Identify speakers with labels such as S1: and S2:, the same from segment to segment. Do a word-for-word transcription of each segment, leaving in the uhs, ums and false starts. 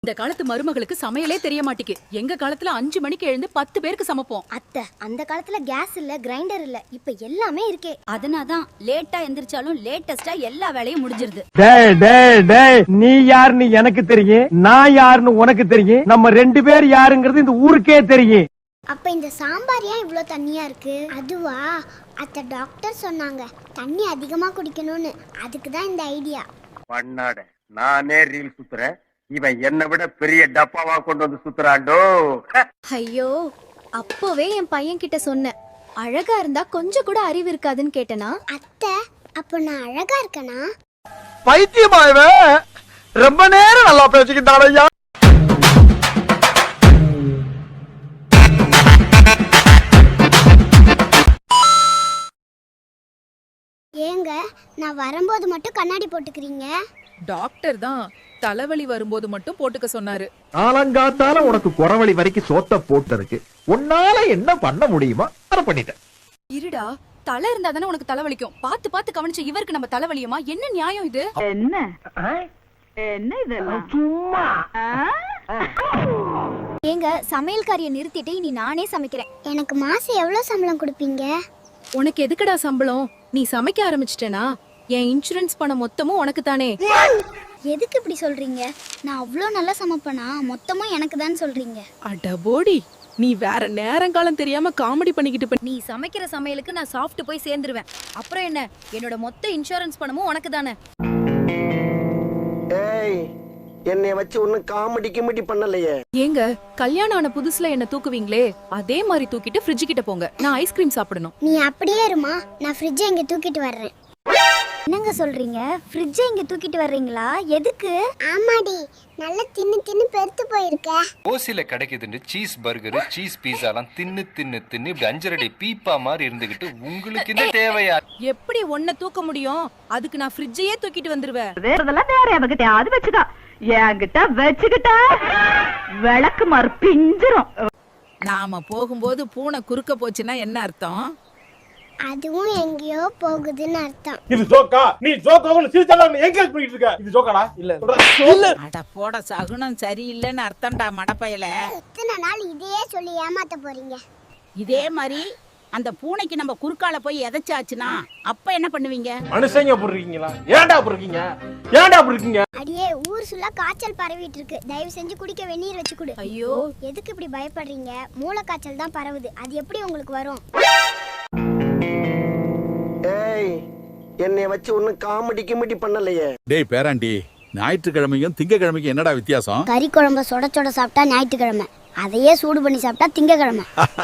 S1: இந்த காலத்து மருமகளுக்கு சமையலே தெரிய மாட்டேக்கு. எங்க காலத்துல அஞ்சு மணிக்கு எழுந்து பத்து பேருக்கு சமைப்போம்.
S2: அத்தை, அந்த காலத்துல கேஸ் இல்ல, கிரைண்டர் இல்ல, இப்ப எல்லாமே இருக்கே.
S3: அதனாதான் லேட்டா எந்திரிச்சாலும் லேட்டஸ்டா எல்லா வேலையும் முடிஞ்சிருது.
S4: டேய் டேய் டேய், நீ யாருன்னு எனக்கு தெரியும், நான் யாருன்னு உனக்கு தெரியும். நம்ம ரெண்டு பேர் யாருங்கிறது இந்த ஊருக்கே தெரியும்.
S2: அப்ப இந்த சாம்பார் ஏன் இவ்ளோ தண்ணியா இருக்கு? அதுவா, அத்தை டாக்டர் சொன்னாங்க தண்ணி அதிகமா குடிக்கணும்னு. அதுக்கு தான் இந்த ஐடியா.
S5: பண்ணாட நானே ரீல் சுத்துறேன், இவன் என்னை விட பெரிய டப்பாவா கொண்டு வந்து சுத்துறாண்டோ.
S2: ஐயோ, அப்பவே என் பையன் கிட்ட சொன்னேன், அழகா இருந்தா கொஞ்சம் கூட அறிவு இருக்காதுன்னு கேட்டனா. அத்தை, அப்ப நான் அழகா இருக்கனா?
S4: பைத்தியமாயவே ரொம்ப நேரம் நல்லா பேசிக்கிட்டான் ஐயா.
S2: ஏங்க, நான் வரும்போது மட்டும் கண்ணாடி போட்டுக்கிறீங்க?
S1: டாக்டர் தான் தலைவலி வரும்போது மட்டும் போட்டுக்க சொன்னாரு.
S6: ஆலங்காத்தால உனக்கு குறவழி வரைக்கும் சோத்த போட்டிருக்கு, உன்னால என்ன பண்ண முடியுமா அதை பண்ணிட்டேன்.
S1: இருடா, தலை இருந்தா தானே உனக்கு தலைவலிக்கும். பாத்து பாத்து கவனிச்ச இவருக்கு நம்ம தலைவலியுமா? என்ன நியாயம் இது?
S7: என்ன என்ன இதெல்லாம்
S4: சும்மா
S2: ஏங்க, சமையல்காரியை நிறுத்திட்டு இனி நானே சமைக்கிறேன். எனக்கு மாசம் எவ்வளவு சம்பளம் கொடுப்பீங்க?
S1: உனக்கு எதுக்குடா சம்பளம்? நீ சமைக்க ஆரம்பிச்சிட்டேனா என் இன்சூரன்ஸ் பணம் மொத்தமும் உனக்கு தானே.
S2: எதுக்கு இப்படி சொல்றீங்க? நான் அவ்வளோ நல்லா சமைப்பேனா? மொத்தமும் எனக்கு தான் சொல்றீங்க.
S1: அடபோடி, நீ வேற நேரங்காலம் தெரியாம காமெடி பண்ணிக்கிட்டு.
S3: நீ சமைக்கிற சமையலுக்கு நான் சாப்பிட்டு போய் சேர்ந்துருவேன். அப்புறம் என்ன, என்னோட மொத்த இன்சூரன்ஸ் பணமும் உனக்கு தானே.
S8: ஏய், என்னைய வச்சு ஒன்னும் காமெடி கிமெடி பண்ணலையே.
S1: ஏங்க, கல்யாணம் ஆன புதுசுல என்ன தூக்குவீங்களே, அதே மாதிரி தூக்கிட்டு ஃப்ரிட்ஜ் கிட்ட போங்க. நான் ஐஸ்கிரீம் சாப்பிடணும்.
S2: நீ அப்படியே இருமா, நான் ஃப்ரிட்ஜை இங்க தூக்கிட்டு வர்றேன். என்னங்க சொல்றீங்க? ஃப்ரிட்ஜை இங்க தூக்கிட்டு வர்றீங்களா? எதுக்கு? ஆமாடி, நல்ல தின்னு தின்னு பெருத்து போயிருக்க.
S9: ஓசில கிடைக்குதுன்னு சீஸ் பர்கர், சீஸ் பீஸாலாம் தின்னு தின்னு தின்னு இப்படி அஞ்சரடி பீப்பா மாதிரி இருந்துகிட்டு உங்களுக்கு இந்த தேவையா?
S1: எப்படி ஒன்ன தூக்க முடியும்? அதுக்கு நான் ஃப்ரிட்ஜையே தூக்கிட்டு வந்துருவேன்.
S7: வேறதெல்லாம் வேற எவகிட்ட அது வச்சுக்கா, என்கிட்ட வச்சுக்கிட்டா விளக்கு மாறு பிஞ்சிரும்.
S1: நாம போகும்போது பூனை குறுக்க போச்சுன்னா என்ன அர்த்தம்?
S2: அதுவும் எங்கேயோ போகுதுன்னு அர்த்தம்.
S4: இது ஜோக்கா? நீ ஜோக்காவும் சிரிச்சாலும் என்கரேஜ் பண்ணிட்டு இருக்க. இது ஜோக்காடா? இல்ல இல்ல.
S1: அட போட, சகுனம் சரியில்லைன்னு அர்த்தம்டா மடப்பையில.
S2: இத்தனை நாள் இதையே சொல்லி ஏமாத்த போறீங்க.
S3: இதே மாதிரி அந்த பூனைக்கு நம்ம குறுக்கால போய் எதைச்சாச்சுன்னா அப்ப என்ன பண்ணுவீங்க?
S4: மனுஷங்க போடுறீங்களா? ஏன்டா போடுறீங்க? ஏன்டா போடுறீங்க?
S2: அடியே, ஊர் சுல்லா காய்ச்சல் பரவிட்டு இருக்கு. தயவு செஞ்சு குடிக்க வெந்நீர் வச்சு கொடு.
S1: ஐயோ,
S2: எதுக்கு இப்படி பயப்படுறீங்க? மூளை காய்ச்சல் தான் பரவுது, அது எப்படி உங்களுக்கு வரும்?
S8: ஏய், என்னைய வச்சு ஒன்னும் காமெடி கிமெடி பண்ணலையே.
S10: டேய் பேராண்டி, ஞாயிற்றுக்கிழமையும் திங்கக்கிழமைக்கும் என்னடா வித்தியாசம்?
S2: கறி குழம்ப சொட சொட சாப்பிட்டா ஞாயிற்றுக்கிழமை, அதையே சூடு பண்ணி சாப்பிட்டா திங்கக்கிழமை.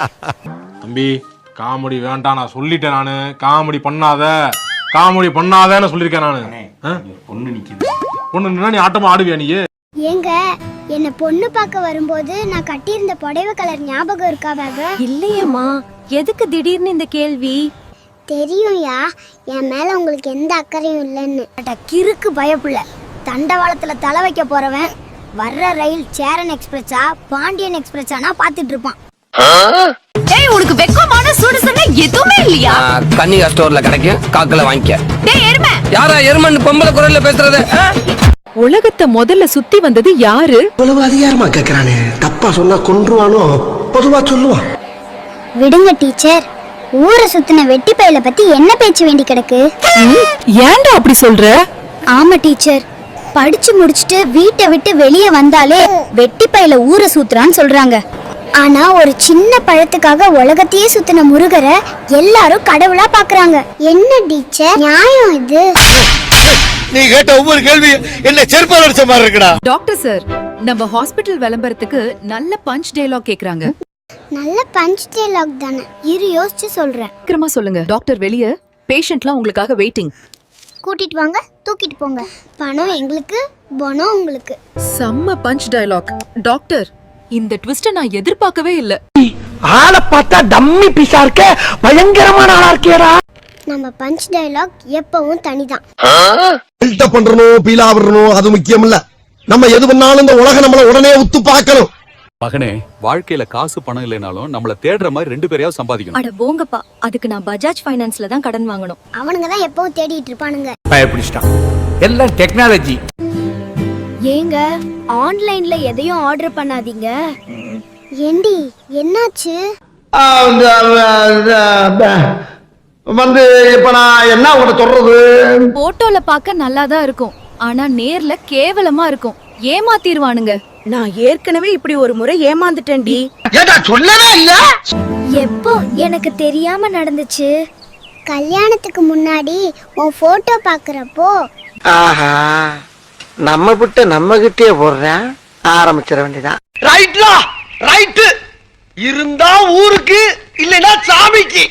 S11: தம்பி, காமெடி வேண்டாம், நான் சொல்லிட்டேன். நானு காமெடி பண்ணாத, காமெடி பண்ணாதன்னு சொல்லிருக்கேன் நானு.
S9: பொண்ணு நிக்குது,
S11: பொண்ணு நின்னா நீ ஆட்டமா ஆடுவியா நீ?
S2: ஏங்க, என்ன பொண்ணு பார்க்க வரும்போது நான் கட்டியிருந்த புடவை கலர் ஞாபகம் இருக்காவாக?
S3: இல்லையேம்மா. எதுக்கு திடீர்னு இந்த கேள்வி?
S2: தெரியும்யா, என் மேல உங்களுக்கு எந்த அக்கறையும் இல்லைன்னு. கிறுக்கு பயப்புள்ள, தண்டவாளத்துல தலை வைக்க போறவன் வர்ற ரயில் சேரன் எக்ஸ்பிரஸா பாண்டியன் எக்ஸ்பிரஸானா பாத்துட்டு இருப்பான்.
S3: டேய், உனக்கு வெக்கமான சுடுசன எதுவுமே இல்லையா?
S8: கன்னிகா ஸ்டோர்ல கிடைக்கும், காக்கல வாங்கிக்க.
S3: டேய் எருமை,
S8: யாரா எருமன் பொம்பளை குரல்ல பேசுறது?
S1: உலகத்தை முதல்ல சுத்தி வந்தது யாரு?
S8: இவ்வளவு அதிகாரமா கேக்குறானே, தப்பா சொன்னா கொன்றுவானோ, பொதுவா சொல்லுவான்.
S2: விடுங்க டீச்சர், ஊரை சுத்தின வெட்டி பையில பத்தி என்ன பேச்சு வேண்டி கிடக்கு?
S1: ஏன்டா அப்படி சொல்ற?
S2: ஆமா டீச்சர், படிச்சு முடிச்சுட்டு வீட்டை விட்டு வெளியே வந்தாலே வெட்டி பையில ஊரை சுத்துறான்னு சொல்றாங்க. ஆனா ஒரு சின்ன பழத்துக்காக உலகத்தையே சுத்தின முருகரை எல்லாரும் கடவுளா பாக்குறாங்க. என்ன டீச்சர் நியாயம் இது?
S6: நீ கேட்ட ஒவ்வொரு கேள்வி என்ன செருப்பால் அடிச்ச மாதிரி இருக்குடா.
S1: டாக்டர் சார், நம்ம ஹாஸ்பிடல் விளம்பரத்துக்கு நல்ல பஞ்ச் டயலாக் கேக்குறாங்க.
S2: நல்ல பஞ்ச் டயலாக் தானே, இரு யோசிச்சு சொல்றேன்.
S1: சீக்கிரமா சொல்லுங்க டாக்டர், வெளிய பேஷண்ட்லாம் உங்களுக்காக வெயிட்டிங்.
S2: கூட்டிட்டு வாங்க, தூக்கிட்டு போங்க. பணம் எங்களுக்கு, பணம் உங்களுக்கு.
S1: செம்ம பஞ்ச் டயலாக். டாக்டர், இந்த ட்விஸ்ட நான் எதிர்பார்க்கவே இல்ல.
S4: ஆளை பார்த்தா டம்மி பீஸா இருக்க, பயங்கரமான ஆளா இருக்கேடா.
S2: நம்ம பஞ்ச் டயலாக் எப்பவும் தனிதான்.
S6: பில்டப் பண்றணும், பீலா வரணும், அது முக்கியம் இல்ல. நம்ம எது பண்ணாலும் இந்த உலகம் நம்மள உடனே உத்து பார்க்கணும்.
S10: மகனே, வாழ்க்கையில காசு பணம் இல்லைனாலும் நம்மள தேடுற மாதிரி ரெண்டு பேரையாவது சம்பாதிக்கணும்.
S3: அட போங்கப்பா, அதுக்கு நான் பஜாஜ் ஃபைனான்ஸ்ல தான் கடன் வாங்கணும்.
S2: அவனுங்க தான் எப்பவும் தேடிட்டு இருப்பானுங்க.
S6: பயப்பிடிச்சிட்டான், எல்லாம் டெக்னாலஜி.
S2: ஏங்க ஆன்லைன்ல எதையும் ஆர்டர் பண்ணாதீங்க. ஏண்டி என்னாச்சு?
S8: வந்து இப்ப நான் என்ன உங்களை சொல்றது?
S1: போட்டோல பார்க்க நல்லா தான் இருக்கும், ஆனா நேர்ல கேவலமா இருக்கும். ஏமாத்திடுவானுங்க.
S7: நான் ஏற்கனவே இப்படி ஒரு முறை ஏமாந்துட்டேன்டி.
S8: ஏடா சொல்லவே இல்ல.
S2: எப்போ எனக்கு தெரியாம நடந்துச்சு? கல்யாணத்துக்கு முன்னாடி உன் போட்டோ பாக்குறப்போ.
S8: ஆஹா, நம்ம விட்டு நம்ம கிட்டே போடுறேன். ஆரம்பிச்சிட வேண்டியதான். ரைட்லா ரைட்டு. இருந்தா ஊருக்கு, இல்லைன்னா சாமிக்கு.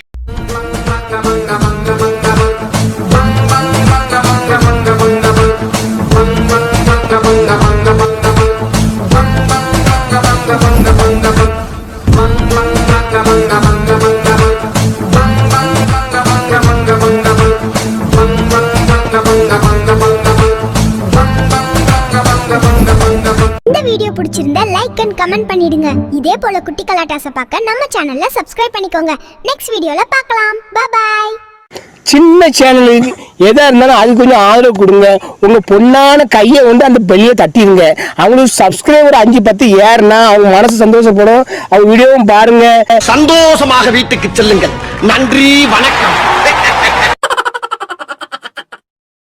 S2: இந்த வீடியோ பிடிச்சிருந்தா லைக் அண்ட் கமெண்ட் பண்ணிடுங்க. இதே போல குட்டி கலாட்டாஸை பார்க்க நம்ம சேனல்ல சப்ஸ்கிரைப் பண்ணிக்கோங்க. நெக்ஸ்ட் வீடியோல பார்க்கலாம். Bye bye.
S4: சின்ன சேனலுக்கு எதா இருந்தாலும் அது கொஞ்சம் ஆதரவு கொடுங்க. உங்க பொண்ணான கையை வந்து அந்த பெல்லியை தட்டிடுங்க. அவங்களுக்கு சப்ஸ்கிரைபர் அஞ்சு பத்து ஏறுனா அவங்க மனசு சந்தோஷப்படும். அவங்க வீடியோவும் பாருங்க.
S8: சந்தோஷமாக வீட்டுக்கு செல்லுங்கள். நன்றி, வணக்கம்.